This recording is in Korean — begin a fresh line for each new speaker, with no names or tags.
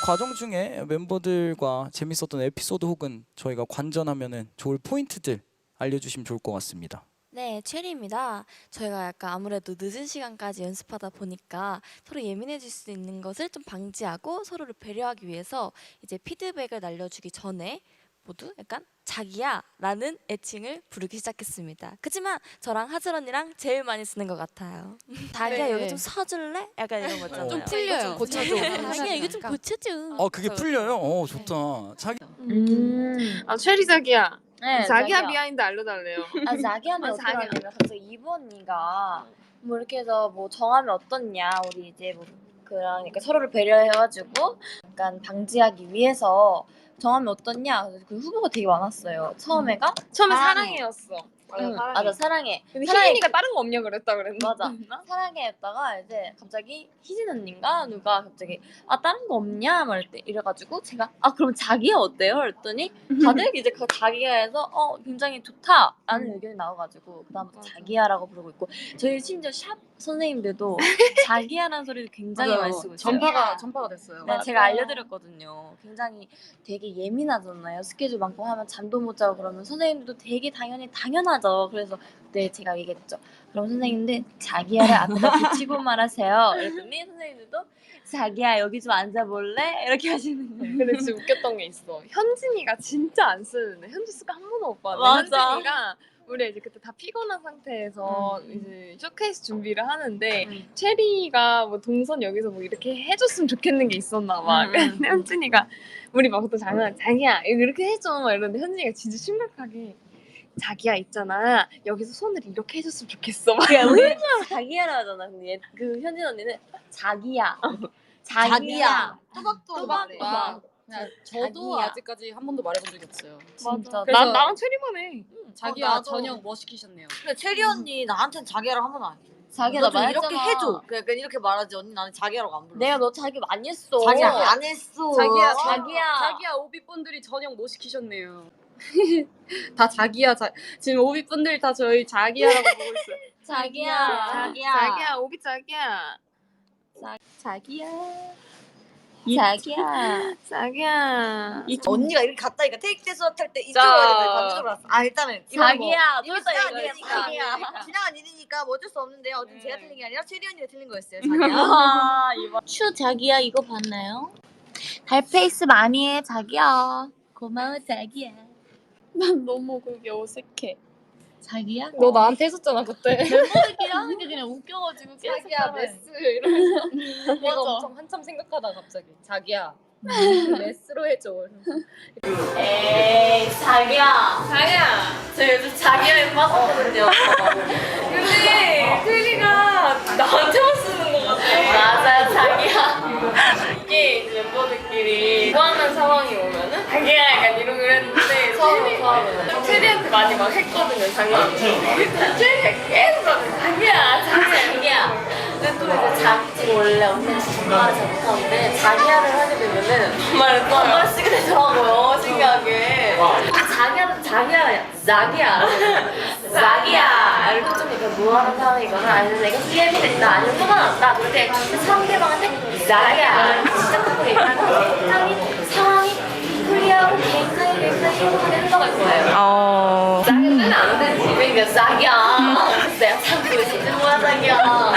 과정 중에 멤버들과 재밌었던 에피소드 혹은 저희가 관전하면은 좋을 포인트들 알려주시면 좋을 것 같습니다.
네, 체리입니다. 저희가 약간 아무래도 늦은 시간까지 연습하다 보니까 서로 예민해질 수 있는 것을 좀 방지하고 서로를 배려하기 위해서 이제 피드백을 날려주기 전에 모두 약간 자기야 라는 애칭을 부르기 시작했습니다. 그치만 저랑 하슬 언니랑 제일 많이 쓰는 것 같아요. 자기야
네.
여기 좀 서줄래? 약간 이런 거 있잖아요.
좀 풀려요. 고쳐줘.
자기야 이거 좀 고쳐줘.
그게 풀려요? 좋다. 자기
아 체리 자기야.
네,
자기야 비하인드 알려달래요.
자기야는
아,
어떻게
자기야.
하냐면 갑자기 이브 언니가 뭐 이렇게 해서 뭐 정하면 어떻냐 우리 이제 뭐 그러니까 서로를 배려해가지고 약간 방지하기 위해서 정하면 어떻냐 그 후보가 되게 많았어요. 처음에가
처음에
사랑해.
사랑해였어.
맞아 사랑해.
근데
사랑해.
희진이가 다른 거 없냐 그랬다 그랬나?
맞아. 사랑해였다가 이제 갑자기 희진 언니인가 누가 갑자기 다른 거 없냐 막 이래가지고 제가 그럼 자기야 어때요? 그랬더니 다들 이제 그 자기야에서 굉장히 좋다라는 의견이 나와가지고 그다음부터 자기야라고 부르고 있고 저희 심지어 샵 선생님들도 자기야라는 소리를 굉장히 많이 쓰고 있어요.
전파가 됐어요.
네, 제가 알려드렸거든요. 굉장히 되게 예민하잖아요. 스케줄 많고 하면 잠도 못 자고 그러면 선생님들도 되게 당연하죠. 그래서 그때 제가 얘기했죠. 그럼 선생님들 자기야를 앞에다 붙이고 말하세요. 그랬더니 선생님들도 자기야 여기 좀 앉아볼래? 이렇게 하시는 거예요.
근데 진짜 웃겼던 게 있어. 현진이가 진짜 안 쓰는데 현지 쓰가 한 번도 못 봤는데
맞아.
현진이가 우리 이제 그때 다 피곤한 상태에서 이제 쇼케이스 준비를 하는데 체리가 뭐 동선 여기서 뭐 이렇게 해줬으면 좋겠는 게 있었나 봐. 근데 현진이가 우리 막 보통 장난 자기야 이렇게 해줘 막 이러는데 현진이가 진짜 심각하게 자기야 있잖아 여기서 손을 이렇게 해줬으면 좋겠어 막
그러니까 우리는 자기야라 하잖아. 근데 그 현진 언니는 자기야. 자기야.
또박또박. 그냥 저도
자기야.
아직까지 한 번도 말해본 적이 없어요.
진짜.
그래서-
나랑 체리만 해.
자기야
나도.
저녁 뭐 시키셨네요.
근데 체리 언니 나한테는 자기야라고 한 번 안 해.
자기야
너
나
좀
말했잖아.
이렇게 해줘. 그러니까 이렇게 말하지. 언니 나는 자기야라고 안 불러.
내가 너 자기 많이 했어.
자기야 안 했어.
자기야 오비분들이 저녁 뭐 시키셨네요. 다 자기야 지금 오비분들 다 저희 자기야라고 보고 있어요.
자기야.
자기야 오비 자기야.
자기야. 자기야.
자기야.
언니가 이렇게 갔다니까 테이크 대수 탈때
자.
이쪽으로 가야 반대쪽으로 왔어. 일단은 이건
자기야.
뭐, 이거
또
지나간
이거
일이니까
자기야.
지나간 일이니까 뭐 어쩔 수 없는데 어쨌든 제가 틀린 게 아니라 체리 언니가 틀린 거였어요. 자기야.
추 자기야 이거 봤나요? 달페이스 많이 해 자기야. 고마워 자기야.
난 너무 그게 어색해.
자기야?
너 나한테 했었잖아 그때.
멤버들끼리 하는 게 그냥 웃겨가지고
자기야 메스 이러면서.
내가 엄청 한참 생각하다가 갑자기 자기야 메스로 해줘.
에이 자기야.
자기야.
저 요즘 자기야에 빠졌거든요.
근데 체리가 나한테만 쓰는 거 같아.
맞아요 자기야.
이게 이제 멤버들끼리 좋아하는 상황이 오면은 자기야 약간 이런 걸 했는데 체리한테 많이 막 했거든요 장난으로. 체리가 계속 하는 자기야
자기야. 근데 또 이제 자기 원래 언니는 정말을 잘 못하는데 자기야를 하게 되면은 정말 쓰게 되더라고요. 신기하게. 자기야는 자기야. 자기야. 이렇게 좀 이렇게 무한한 상황이거나 아니면 내가 예민했다 아니면 화가 났다 그럴 때 상대방한테 자기야 시작하고 얘기하는 상황이 풀리하고 굉장히 행복하게 흘러갈 거예요. 자기는 안 되지. 그러니까 자기야. 내가 참고 있었지 뭐야 자기야.